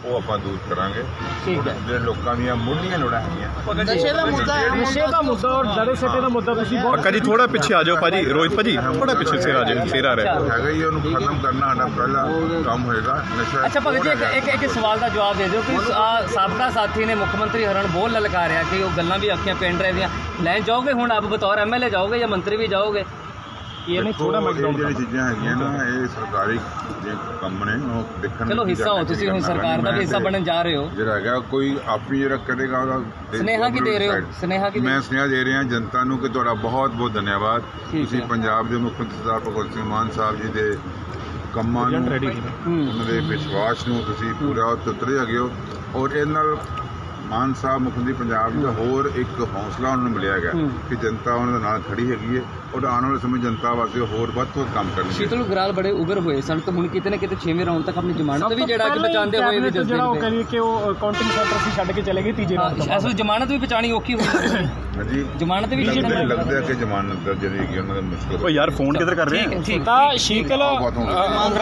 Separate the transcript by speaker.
Speaker 1: ਉਹ ਆਪਾਂ ਦੂਰ ਕਰਾਂਗੇ।
Speaker 2: ਠੀਕ ਹੈ।
Speaker 1: ਜਿਹੜੇ ਲੋਕਾਂ ਦੀਆਂ ਮੁੱਢਲੀਆਂ ਲੋੜਾਂ ਹੈਗੀਆਂ
Speaker 2: ਨਸ਼ੇ ਦਾ ਮੁੱਦਾ ਔਰ ਦੜੇ ਸੱਟੇ ਦਾ ਮੁੱਦਾ ਤੁਸੀਂ ਬਹੁਤ
Speaker 3: ਪੱਕਾ ਜੀ ਥੋੜਾ ਪਿੱਛੇ ਆ ਜਾਓ ਭਾਜੀ, ਰੋਹਿਤ ਭਾਜੀ ਥੋੜਾ ਪਿੱਛੇ ਸਿਰ ਆ ਜਾਓ, ਸਿਰ ਆ ਰਿਹਾ
Speaker 1: ਹੈਗਾ ਹੀ, ਉਹਨੂੰ ਖਤਮ ਕਰਨਾ ਸਾਡਾ ਪਹਿਲਾ ਕੰਮ ਹੋਏਗਾ। ਨਸ਼ਾ
Speaker 2: ਅੱਛਾ ਭਗਤ ਜੀ ਇੱਕ ਸਵਾਲ ਦਾ ਜਵਾਬ ਦੇ ਦਿਓ ਕਿ ਸਾਬਕਾ ਸਾਥੀ ਨੇ ਮੁੱਖ ਮੰਤਰੀ ਹਰਨ ਬੋਲ ਲਲਕਾਰਿਆ ਕਿ ਉਹ ਗੱਲਾਂ ਵੀ ਆਖੀਆਂ ਪਿੰਡ ਰਹੇ ਦੀਆਂ ਲੈਣ ਜਾਓਗੇ, ਹੁਣ ਆਪ ਬਤੌਰ ਐਮਐਲਏ ਜਾਓਗੇ ਜਾਂ ਮੰਤਰੀ ਵੀ ਜਾਓਗੇ? ਇਹ ਨਹੀਂ ਥੋੜਾ
Speaker 1: ਜਿਹੜੀ ਚੀਜ਼ਾਂ ਹੈਗੀਆਂ ਨਾ ਇਹ ਸਰਕਾਰੀ ਜੇ ਕੰਮ ਨੇ ਉਹ ਦੇਖਣ।
Speaker 2: ਚਲੋ ਹਿੱਸਾ ਹੋ ਤੁਸੀਂ, ਹੁਣ ਸਰਕਾਰ ਦਾ ਵੀ ਹਿੱਸਾ ਬਣਨ ਜਾ ਰਹੇ ਹੋ।
Speaker 1: ਜਿਹੜਾ ਹੈਗਾ ਕੋਈ ਆਪਣੀ ਜਿਹੜਾ ਕਰੇਗਾ ਉਹਦਾ
Speaker 2: ਸੁਨੇਹਾ ਕੀ ਦੇ ਰਹੇ ਹੋ? ਸੁਨੇਹਾ ਕੀ
Speaker 1: ਮੈਂ ਸੁਨੇਹਾ ਦੇ ਰਿਹਾ ਜਨਤਾ ਨੂੰ ਕਿ ਤੁਹਾਡਾ ਬਹੁਤ ਬਹੁਤ ਧੰਨਵਾਦ। ਤੁਸੀਂ ਪੰਜਾਬ ਦੇ ਮੁੱਖ ਮੰਤਰੀ ਸਰਦਾਰ ਭਗਵੰਤ ਸਿੰਘ ਮਾਨ ਸਾਹਿਬ ਜੀ ਦੇ ਕੰਮਾਂ ਨੂੰ, ਉਹਨਾਂ ਦੇ ਵਿਸ਼ਵਾਸ ਨੂੰ ਤੁਸੀਂ ਪੂਰਾ ਉਤਰੇ ਹੈਗੇ ਹੋ। ਔਰ ਇਹਦੇ ਨਾਲ ਮਾਨ ਸਾਹਿਬ ਮੁੱਖ ਮੰਤਰੀ ਪੰਜਾਬ ਦਾ ਹੋਰ ਇੱਕ ਹੌਸਲਾ ਉਹਨਾਂ ਨੂੰ ਮਿਲਿਆ ਗਿਆ ਕਿ ਜਨਤਾ ਉਹਨਾਂ ਦੇ ਨਾਲ ਖੜੀ ਹੈਗੀ ਹੈ ਔਰ ਆਉਣ ਵਾਲੇ ਸਮੇਂ ਜਨਤਾ ਵਾਸਤੇ ਹੋਰ ਵੱਧ ਤੋਂ ਵੱਧ ਕੰਮ ਕਰਨਗੇ।
Speaker 2: ਸ਼ੀਤਲ ਗਰਾਲ ਬੜੇ ਉਗਰ ਹੋਏ ਸਨ ਤੇ ਹੁਣ ਕਿਤੇ ਨਾ ਕਿਤੇ 6ਵੇਂ ਰਾਉਂਡ ਤੱਕ ਆਪਣੀ ਜ਼ਮਾਨਤ ਵੀ ਜਿਹੜਾ ਕਿ ਬਚਾਉਂਦੇ ਹੋਏ ਵੀ
Speaker 4: ਜਿਹੜਾ ਉਹ ਕਰੀਏ ਕਿ ਉਹ ਕਾਊਂਟਿੰਗ ਸੈਂਟਰ ਸੀ ਛੱਡ ਕੇ ਚਲੇ ਗਏ ਤੀਜੇ ਰਾਉਂਡ ਤੋਂ।
Speaker 2: ਅਸਲ ਜ਼ਮਾਨਤ ਵੀ ਬਚਾਣੀ ਔਖੀ ਹੋਈ
Speaker 1: ਹਾਂਜੀ
Speaker 2: ਜ਼ਮਾਨਤ ਵੀ
Speaker 1: ਲੱਗਦਾ ਕਿ ਜ਼ਮਾਨਤ ਜਿਹੜੀ ਹੈਗੀ ਉਹਨਾਂ ਦਾ ਮੁਸ਼ਕਲ।
Speaker 3: ਉਹ ਯਾਰ ਫੋਨ ਕਿੱਧਰ ਕਰ ਰਹੇ ਆ?
Speaker 2: ਠੀਕ
Speaker 4: ਤਾਂ ਸ਼ੀਤਲ